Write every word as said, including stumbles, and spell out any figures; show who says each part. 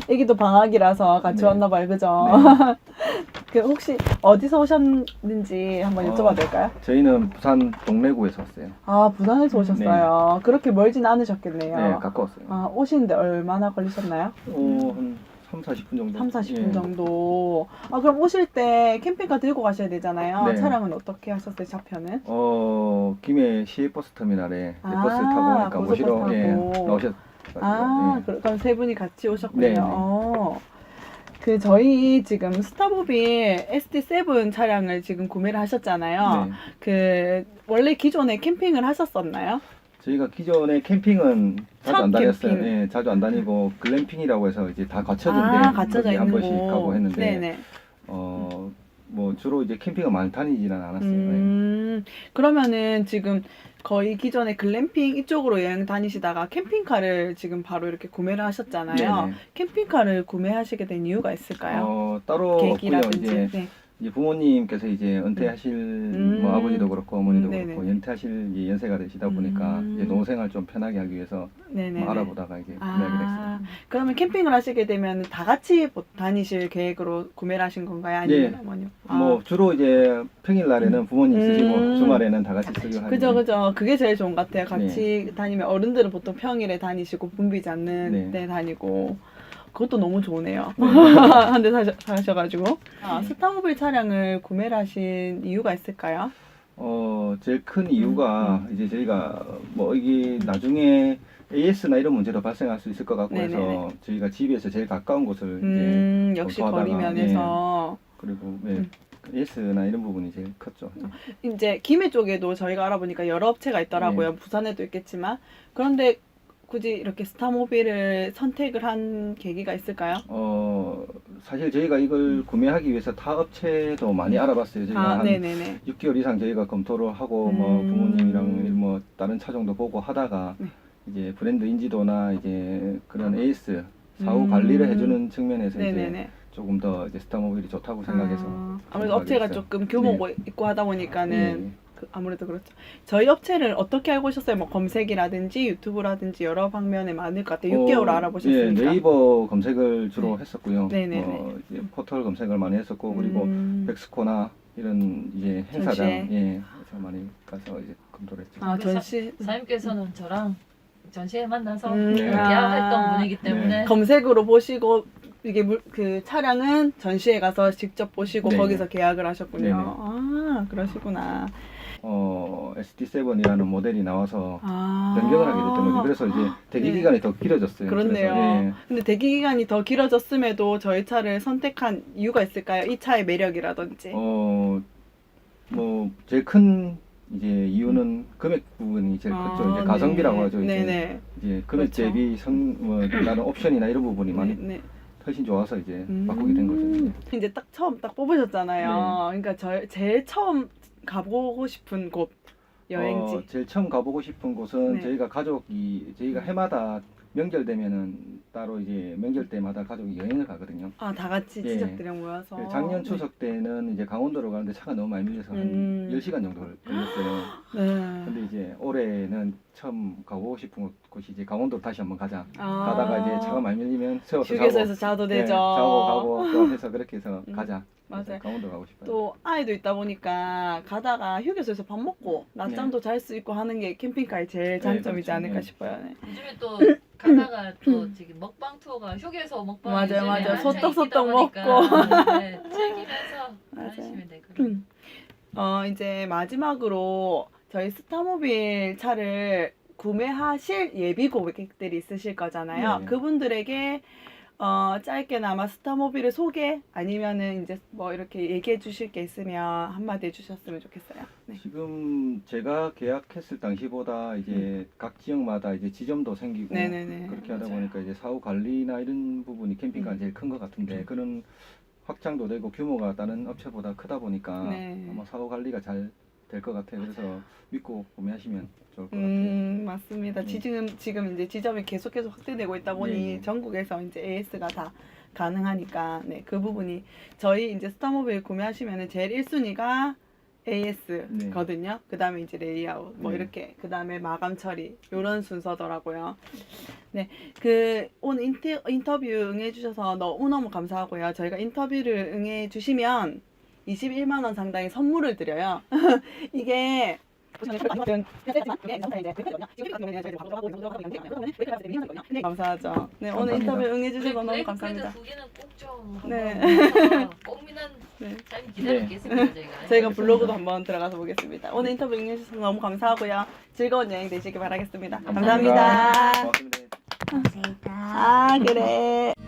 Speaker 1: 애기도 방학이라서 같이
Speaker 2: 네.
Speaker 1: 왔나 봐요, 그죠?
Speaker 2: 네.
Speaker 1: 그 혹시 어디서 오셨는지 한번
Speaker 2: 어,
Speaker 1: 여쭤봐도 될까요?
Speaker 2: 저희는 부산 동래구에서 왔어요.
Speaker 1: 아, 부산에서 오셨어요. 그렇게 멀진 않으셨겠네요.
Speaker 2: 네, 가까웠어요.
Speaker 1: 아, 오시는데 얼마나 걸리셨나요?
Speaker 2: 어, 한 삼, 사십 분 정도.
Speaker 1: 삼, 사십 분
Speaker 2: 예.
Speaker 1: 정도. 아, 그럼 오실 때 캠핑카 들고 가셔야 되잖아요.
Speaker 2: 네.
Speaker 1: 차량은 어떻게 하셨어요, 차편은?
Speaker 2: 어, 김해 시외버스 터미널에 이제
Speaker 1: 아,
Speaker 2: 버스 타고 오니까
Speaker 1: 고속버스
Speaker 2: 모시러 예,
Speaker 1: 타고.
Speaker 2: 나오셨.
Speaker 1: 아,
Speaker 2: 예.
Speaker 1: 그- 그럼 세 분이 같이 오셨군요.
Speaker 2: 네, 네.
Speaker 1: 어. 그 저희 지금 스타모빌 에스디 세븐 차량을 지금 구매를 하셨잖아요.
Speaker 2: 네.
Speaker 1: 그 원래 기존에 캠핑을 하셨었나요?
Speaker 2: 저희가 기존에 캠핑은 자주
Speaker 1: 첫
Speaker 2: 안 다녔어요.
Speaker 1: 캠핑.
Speaker 2: 예, 자주 안 다니고 글램핑이라고 해서 이제 다 갖춰진데
Speaker 1: 아, 갖춰져
Speaker 2: 거기 한
Speaker 1: 있는
Speaker 2: 번씩
Speaker 1: 곳.
Speaker 2: 가고 했는데
Speaker 1: 네네.
Speaker 2: 어, 뭐 주로 이제 캠핑을 많이 다니지는 않았어요. 예.
Speaker 1: 음, 그러면은 지금 거의 기존에 글램핑 이쪽으로 여행 다니시다가 캠핑카를 지금 바로 이렇게 구매를 하셨잖아요.
Speaker 2: 네네.
Speaker 1: 캠핑카를 구매하시게 된 이유가 있을까요?
Speaker 2: 어, 따로 없고요.
Speaker 1: 계기라든지.
Speaker 2: 이제,
Speaker 1: 네.
Speaker 2: 이제 부모님께서 이제 은퇴하실
Speaker 1: 음.
Speaker 2: 뭐 아버지도 그렇고 어머니도
Speaker 1: 음,
Speaker 2: 그렇고
Speaker 1: 네네.
Speaker 2: 은퇴하실 이제 연세가 되시다 보니까
Speaker 1: 음.
Speaker 2: 이제 노생활 좀 편하게 하기 위해서
Speaker 1: 네네.
Speaker 2: 뭐 알아보다가 이제 구매하게 됐어요.
Speaker 1: 아, 그러면 캠핑을 하시게 되면 다 같이 보- 다니실 계획으로 구매를 하신 건가요? 아니면
Speaker 2: 네.
Speaker 1: 어머니?
Speaker 2: 뭐 주로 이제 평일 날에는 부모님 쓰시고
Speaker 1: 음.
Speaker 2: 주말에는 다 같이 쓰고 하는.
Speaker 1: 그죠, 그죠. 그게 제일 좋은 것 같아요. 같이 다니면 어른들은 보통 평일에 다니시고 붐비지 않는
Speaker 2: 네.
Speaker 1: 때 다니고. 그것도 너무 좋으네요.
Speaker 2: 네.
Speaker 1: 한 대 사셔, 사셔가지고. 아,
Speaker 2: 네.
Speaker 1: 스타모빌 차량을 구매를 하신 이유가 있을까요?
Speaker 2: 어, 제일 큰 이유가
Speaker 1: 음.
Speaker 2: 이제 저희가 뭐 이게 나중에 에이에스나 이런 문제도 발생할 수 있을 것 같고 해서
Speaker 1: 네네네.
Speaker 2: 저희가 집에서 제일 가까운 곳을
Speaker 1: 음,
Speaker 2: 이제
Speaker 1: 역시
Speaker 2: 검토하다가,
Speaker 1: 거리 면에서.
Speaker 2: 그리고 네,
Speaker 1: 음.
Speaker 2: 에이에스나 이런 부분이 제일 컸죠.
Speaker 1: 이제 김해 쪽에도 저희가 알아보니까 여러 업체가 있더라고요.
Speaker 2: 네.
Speaker 1: 부산에도 있겠지만. 그런데 굳이 이렇게 스타모빌을 선택을 한 계기가 있을까요?
Speaker 2: 어, 사실 저희가 이걸 구매하기 위해서 타 업체도 많이 알아봤어요. 저희가
Speaker 1: 아,
Speaker 2: 한
Speaker 1: 네네네.
Speaker 2: 육 개월 이상 저희가 검토를 하고 뭐
Speaker 1: 음.
Speaker 2: 부모님이랑 뭐 다른 차종도 보고 하다가
Speaker 1: 네.
Speaker 2: 이제 브랜드 인지도나 이제 그런 에이에스 사후
Speaker 1: 음.
Speaker 2: 관리를 해주는 측면에서 이제
Speaker 1: 네네네.
Speaker 2: 조금 더 이제 스타모빌이 좋다고 생각해서
Speaker 1: 아, 아무래도
Speaker 2: 선택하게
Speaker 1: 업체가
Speaker 2: 됐어요.
Speaker 1: 조금 규모가 있고 하다 보니까는
Speaker 2: 네.
Speaker 1: 그 아무래도 그렇죠. 저희 업체를 어떻게 알고 오셨어요? 뭐 검색이라든지 유튜브라든지 여러 방면에 많을 것 같아요. 육 개월
Speaker 2: 어,
Speaker 1: 알아보셨으니까.
Speaker 2: 예, 네이버 검색을 주로
Speaker 1: 네.
Speaker 2: 했었고요.
Speaker 1: 네네네.
Speaker 2: 어, 이제 포털 검색을 많이 했었고 그리고
Speaker 1: 음.
Speaker 2: 백스코나 이런 이제 행사장
Speaker 1: 전시회.
Speaker 2: 예, 그래서 많이 가서 이제 검토를 했죠.
Speaker 1: 아, 전시
Speaker 3: 사장님께서는 저랑 전시회 만나서
Speaker 1: 음,
Speaker 2: 네.
Speaker 3: 계약했던 분이기 때문에
Speaker 2: 네.
Speaker 1: 검색으로 보시고 이게 물, 그 차량은 전시회 가서 직접 보시고
Speaker 2: 네네.
Speaker 1: 거기서 계약을 하셨군요.
Speaker 2: 네네.
Speaker 1: 아, 그러시구나.
Speaker 2: 어, 에스디 세븐이라는 모델이 나와서
Speaker 1: 아.
Speaker 2: 변경을 하게 됐던 거죠. 그래서 이제 대기
Speaker 1: 네.
Speaker 2: 기간이 더 길어졌어요.
Speaker 1: 그렇네요.
Speaker 2: 그래서, 예.
Speaker 1: 근데 대기 기간이 더 길어졌음에도 저희 차를 선택한 이유가 있을까요? 이 차의 매력이라든지.
Speaker 2: 어, 뭐 제일 큰 이제 이유는 금액 부분이 제일
Speaker 1: 아,
Speaker 2: 컸죠. 이제
Speaker 1: 네.
Speaker 2: 가성비라고 하죠. 이제,
Speaker 1: 네네.
Speaker 2: 이제 금액
Speaker 1: 그렇죠.
Speaker 2: 대비 성, 뭐 다른 옵션이나 이런 부분이 많이
Speaker 1: 네, 네.
Speaker 2: 훨씬 좋아서 이제
Speaker 1: 음.
Speaker 2: 바꾸게 된 거죠. 이제.
Speaker 1: 이제 딱 처음 딱 뽑으셨잖아요.
Speaker 2: 네.
Speaker 1: 그러니까 저 제일 처음 가보고 싶은 곳 여행지.
Speaker 2: 어, 제일 처음 가보고 싶은 곳은
Speaker 1: 네.
Speaker 2: 저희가 가족이 저희가 해마다 명절 되면은 따로 이제 명절 때마다 가족이 여행을 가거든요.
Speaker 1: 아, 다 같이
Speaker 2: 예.
Speaker 1: 친척들이랑 모여서.
Speaker 2: 그 작년 추석 때는 이제 강원도로 가는데 차가 너무 많이 밀려서
Speaker 1: 음.
Speaker 2: 한 열 시간 정도 걸- 걸렸어요.
Speaker 1: 네.
Speaker 2: 근데 이제 올해는 처음 가보고 싶은 곳이 이제 강원도로 다시 한번 가자.
Speaker 1: 아.
Speaker 2: 가다가 이제 차가 많이 밀리면 세워서 자고,
Speaker 1: 휴게소에서 자도
Speaker 2: 네,
Speaker 1: 되죠.
Speaker 2: 자고 가고 또 해서 그렇게 해서
Speaker 1: 음,
Speaker 2: 가자.
Speaker 1: 맞아요.
Speaker 2: 그래서 강원도 가고 싶어요.
Speaker 1: 또 아이도 있다 보니까 가다가 휴게소에서 밥 먹고 낮잠도 잘 수 있고 하는 게 캠핑카의 제일 장점이지
Speaker 2: 그렇죠.
Speaker 1: 않을까
Speaker 2: 네.
Speaker 1: 싶어요. 네.
Speaker 3: 요즘에 또 가다가 또 지금 먹방 투어가 휴게소 먹방
Speaker 1: 맞아요,
Speaker 3: 요즘에
Speaker 1: 맞아요.
Speaker 3: 한창
Speaker 1: 소떡소떡
Speaker 3: 인기다 보니까
Speaker 1: 먹고.
Speaker 3: 네, 즐기면서
Speaker 1: 맞아요.
Speaker 3: 다니시면 되고
Speaker 1: 어, 이제 마지막으로 저희 스타모빌 차를 구매하실 예비 고객들이 있으실 거잖아요.
Speaker 2: 네.
Speaker 1: 그분들에게 어, 짧게나마 스타모빌의 소개 아니면은 이제 뭐 이렇게 얘기해 주실 게 있으면 한마디 해주셨으면 좋겠어요. 네.
Speaker 2: 지금 제가 계약했을 당시보다 이제 각 지역마다 이제 지점도 생기고
Speaker 1: 네네네.
Speaker 2: 그렇게 하다
Speaker 1: 맞아요.
Speaker 2: 보니까 이제 사후 관리나 이런 부분이 캠핑카가
Speaker 1: 음.
Speaker 2: 제일 큰 것 같은데 그런 확장도 되고 규모가 다른 업체보다 크다 보니까
Speaker 1: 네.
Speaker 2: 아마 사후 관리가 잘 될 것 같아요. 그래서 믿고 구매하시면 좋을 것 같아요.
Speaker 1: 음, 맞습니다.
Speaker 2: 네.
Speaker 1: 지금 지금 이제 지점이 계속해서 확대되고 있다 보니
Speaker 2: 네, 네.
Speaker 1: 전국에서 이제 에이에스가 다 가능하니까 네, 그 부분이 저희 이제 스타모빌 구매하시면은 제일 일 순위가 에이에스거든요. 그 다음에 이제 레이아웃, 뭐
Speaker 2: 네.
Speaker 1: 이렇게, 그 다음에 마감 처리, 요런 순서더라고요. 네. 그, 오늘 인터, 인터뷰 응해주셔서 너무너무 감사하고요. 저희가 인터뷰를 응해주시면 이십일만 원 상당의 선물을 드려요. 이게, 감사하죠. 네, 오늘
Speaker 2: 감사합니다.
Speaker 1: 인터뷰 응해주셔서 너무
Speaker 3: 브레이크
Speaker 1: 감사합니다.
Speaker 3: 패드 두 개는 꼭좀
Speaker 1: 네.
Speaker 3: 꼭미난
Speaker 1: 네.
Speaker 3: 잘 기다리겠습니다 저희가.
Speaker 1: 저희가
Speaker 2: 알겠습니다.
Speaker 1: 블로그도 한번 들어가서 보겠습니다. 오늘 인터뷰 응해주셔서 너무 감사하고요. 즐거운 여행 되시길 바라겠습니다. 감사합니다.
Speaker 2: 고맙습니다.
Speaker 1: 아, 그래.